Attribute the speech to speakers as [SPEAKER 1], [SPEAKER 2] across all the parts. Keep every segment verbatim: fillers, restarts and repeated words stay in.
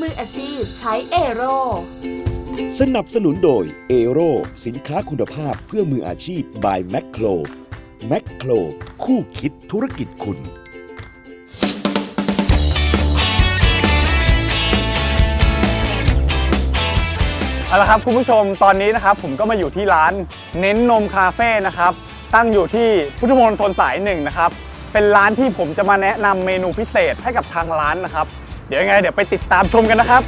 [SPEAKER 1] ออาชีพใช้เอโร
[SPEAKER 2] สนับสนุนโดยเอโรสินค้าคุณภาพเพื่อมืออาชีพ by แมคโคร แมคโครคู่คิดธุรกิจคุณ
[SPEAKER 3] เอาละครับคุณผู้ชมตอนนี้นะครับผมก็มาอยู่ที่ร้านเน้นนมคาเฟ่นะครับตั้งอยู่ที่พุทธมณฑลสายหนึ่งนะครับเป็นร้านที่ผมจะมาแนะนำเมนูพิเศษให้กับทางร้านนะครับเดี๋ยวยังไงเดี๋ยวไปติดตามชมกันนะครับ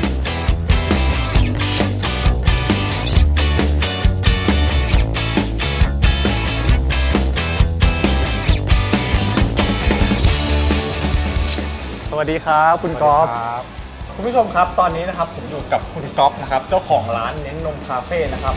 [SPEAKER 3] สวัสดีครับคุณก๊อฟคุณผู้ชมครับตอนนี้นะครับผมอยู่กับคุณก๊อฟนะครับเจ้าของร้านเน้นนมคาเฟ่นะครับ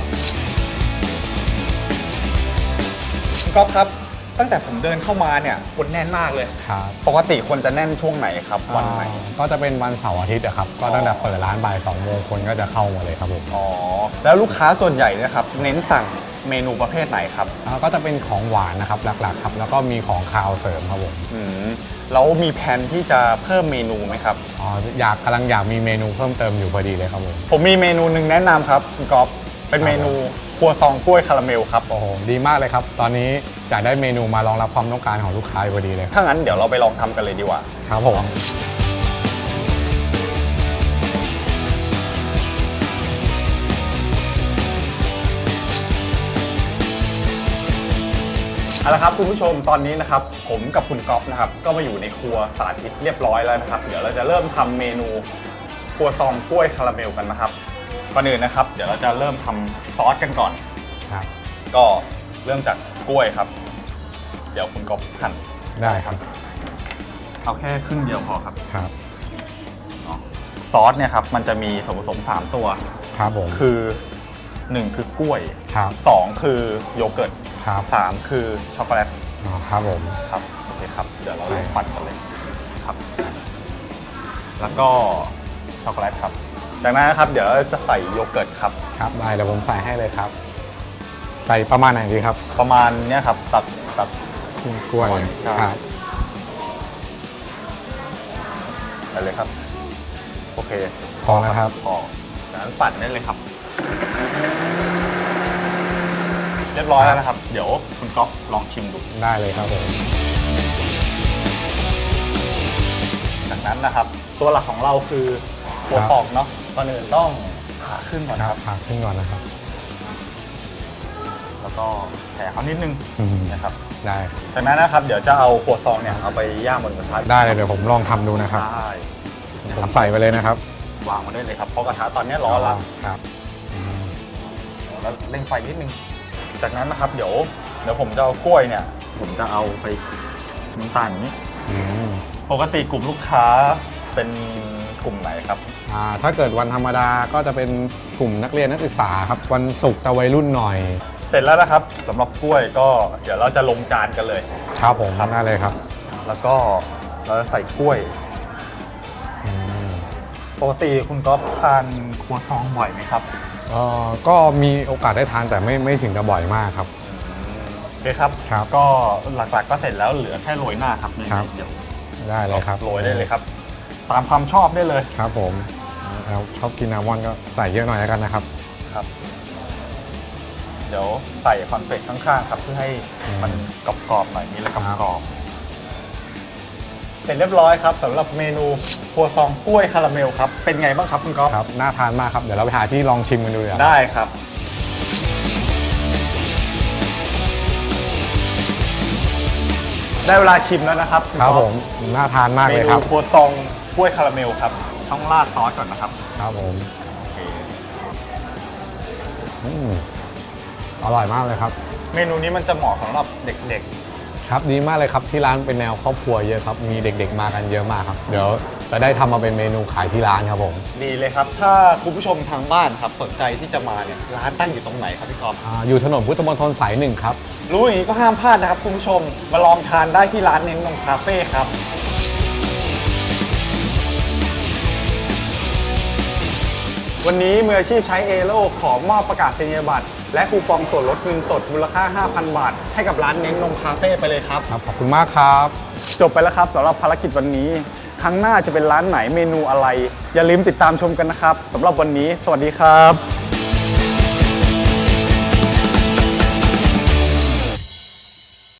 [SPEAKER 3] คุณก๊อฟครับตั้งแต่ผมเดินเข้ามาเนี่ยคนแน่นมากเลย
[SPEAKER 4] ครับ
[SPEAKER 3] ปกติคนจะแน่นช่วงไหนครับวันไหน
[SPEAKER 4] ก็จะเป็นวันเสาร์อาทิตย์อะครับก็ตั้งแต่เปิดร้านบ่ายสองโมงคนก็จะเข้ามาเลยครับผม
[SPEAKER 3] อ๋อแล้วลูกค้าส่วนใหญ่เนี่ยครับเน้นสั่งเมนูประเภทไหนครับ
[SPEAKER 4] ก็จะเป็นของหวานนะครับหลักๆครับแล้วก็มีของคาวเสริมครับผม
[SPEAKER 3] อืมแล้วมีแผนที่จะเพิ่มเมนูไหมครับ
[SPEAKER 4] อ๋ออยากกำลังอยากมีเมนูเพิ่มเติมอยู่พอดีเลยครับผม
[SPEAKER 3] ผมมีเมนูหนึ่งแนะนำครับคุณก๊อฟเป็นเมนูครัวซองกล้วยคาราเมลครับ
[SPEAKER 4] โอ้โหดีมากเลยครับตอนนี้อยากได้เมนูมารองรับความต้องการของลูกค้าพอดีเลย
[SPEAKER 3] ถ้างั้นเดี๋ยวเราไปลองทำกันเลยดีกว่า
[SPEAKER 4] ครับผม
[SPEAKER 3] เอาละครับคุณผู้ชมตอนนี้นะครับผมกับคุณก๊อฟนะครับก็มาอยู่ในครัวสาธิตเรียบร้อยแล้วนะครับเดี๋ยวเราจะเริ่มทำเมนูครัวซองกล้วยคาราเมลกันนะครับก่อนอื่นนะครับเดี๋ยวเราจะเริ่มทำซอสกันก่อน
[SPEAKER 4] ครับ
[SPEAKER 3] ก็เริ่มจากกล้วยครับเดี๋ยวคุณก๊อฟหั่น
[SPEAKER 4] ได้ครับ
[SPEAKER 3] เอาแค่ครึ่งเดียวพอครับ
[SPEAKER 4] ครับ
[SPEAKER 3] ซอสเนี่ยครับมันจะมีส่วนผสมสามตัว
[SPEAKER 4] ครับผม
[SPEAKER 3] คือหนึ่งคือกล้วย
[SPEAKER 4] ครับ
[SPEAKER 3] สองคือโยเกิร์ต
[SPEAKER 4] ครับ
[SPEAKER 3] สามคือช็อกโกแลต
[SPEAKER 4] อ๋อครับผม
[SPEAKER 3] ครับโอเคครับเดี๋ยวเราลองปั่นกันเลยครับแล้วก็ช็อกโกแลตครับจากนั้นนะครับเดี๋ยวเราจะใส่โยเกิร์ตครับ
[SPEAKER 4] ครับได้เดี๋ยวผมใส่ให้เลยครับใส่ประมาณไหนดีครับ
[SPEAKER 3] ประมาณเนี้ยครับตัดตัด
[SPEAKER 4] กล้วยครับ
[SPEAKER 3] ไปเลยครับโอเค
[SPEAKER 4] พอแล้วครับ
[SPEAKER 3] พอจากนั้นปั่นได้เลยครับเรียบร้อยแล้วนะครับเดี๋ยวคุณก๊อฟลองชิมดู
[SPEAKER 4] ได้เลยครับผม
[SPEAKER 3] จากนั้นนะครับตัวหลักของเราคือตัวฟองเนาะก่อนอื่นต้องผ่าขึ้นก่อนครับ
[SPEAKER 4] ผ่าขึ้นก่อนนะครับ
[SPEAKER 3] แล้วก็แผ่เขานิดนึงนะครับ
[SPEAKER 4] ได้
[SPEAKER 3] จากนั้นนะครับเดี๋ยวจะเอาขวดซองเนี่ยเอาไปย่างบนกระทะ
[SPEAKER 4] ได้เลยเดี๋ยวผมลองทำดูนะครับ
[SPEAKER 3] ได้
[SPEAKER 4] ผมใส่ไปเลยนะครับ
[SPEAKER 3] วางมาได้เลยครับเพราะกระทะตอนนี้ร้อนแล้ว
[SPEAKER 4] ครับ
[SPEAKER 3] แล้วเร่งไฟนิดนึงจากนั้นนะครับเดี๋ยวเดี๋ยวผมจะเอากล้วยเนี่ยผมจะเอาไปน้ำตาลอย่างนี้ปกติกลุ่มลูกค้าเป็นกลุ่มไหนครับ
[SPEAKER 4] ถ้าเกิดวันธรรมดาก็จะเป็นกลุ่มนักเรียนนักศึกษาครับวันศุกร์จะวัยรุ่นหน่อย
[SPEAKER 3] เสร็จแล้วนะครับสำหรับกล้วยก็เดี๋ยวเราจะลงจานกันเลย
[SPEAKER 4] ครับผมได้เลยครับ
[SPEAKER 3] แล้วก็เราจะใส่กล้วยปกติคุณก๊อฟทานครัวซองบ่อยไหมครับ
[SPEAKER 4] ก็มีโอกาสได้ทานแต่ไม่ไม่ถึงกับบ่อยมากครับ
[SPEAKER 3] โอเคครับก็หลักๆก็เสร็จแล้วเหลือแค่โรยหน้าครับเดี๋ยว
[SPEAKER 4] ได้เลยครับ
[SPEAKER 3] โรยได้เลยครับตามความชอบได้เลย
[SPEAKER 4] ครับผมแล้วชอบกินอัลมอนด์ก็ใส่เยอะหน่อยแล้วกันนะครับ
[SPEAKER 3] ครับเดี๋ยวใส่คอนเฟกต์ข้างๆครับเพื่อให้มันกรอบๆหน่อยนี่แหละกรอบๆเสร็จเรียบร้อยครับสำหรับเมนูครัวซองกล้วยคาราเมลครับเป็นไงบ้างครับคุณก๊อฟ
[SPEAKER 4] ครับน่าทานมากครับเดี๋ยวเราไปหาที่ลองชิมกันดู
[SPEAKER 3] ได้ครับได้เวลาชิมแล้วนะครับ
[SPEAKER 4] ครับผมน่าทานมากเลยครับ
[SPEAKER 3] เมนูครัวซองกล้วยคาราเมลครับต้องราดซอสก่อนนะครับ
[SPEAKER 4] ครับผม
[SPEAKER 3] โอเค
[SPEAKER 4] อืมอร่อยมากเลยครับ
[SPEAKER 3] เมนูนี้มันจะเหมาะสำหรับเด็ก
[SPEAKER 4] ๆครับดีมากเลยครับที่ร้านเป็นแนวครอบครัวเยอะครับมีเด็กๆมากันเยอะมากครับเดี๋ยวจะได้ทำมาเป็นเมนูขายที่ร้านครับผม
[SPEAKER 3] ดีเลยครับถ้าคุณผู้ชมทางบ้านครับสนใจที่จะมาเนี่ยร้านตั้งอยู่ตรงไหนครับพี่กอล์ฟ
[SPEAKER 4] อยู่ถนนพุทธมณฑลสายหนึ่งครับ
[SPEAKER 3] รู้อย่างนี้ก็ห้ามพลาดนะครับคุณผู้ชมมาลองทานได้ที่ร้านเน้นนมคาเฟ่ครับวันนี้มืออาชีพใช้เอโร่ขอมอบประกาศนียบัตรและคูปองส่วนลดเงินสดมูลค่า ห้าพัน บาทให้กับร้านเน้นนมคาเฟ่ไปเลยครับ
[SPEAKER 4] ขอบคุณมากครับ
[SPEAKER 3] จบไปแล้วครับสำหรับภารกิจวันนี้ครั้งหน้าจะเป็นร้านไหนเมนูอะไรอย่าลืมติดตามชมกันนะครับสำหรับวันนี้สวัสดีครับ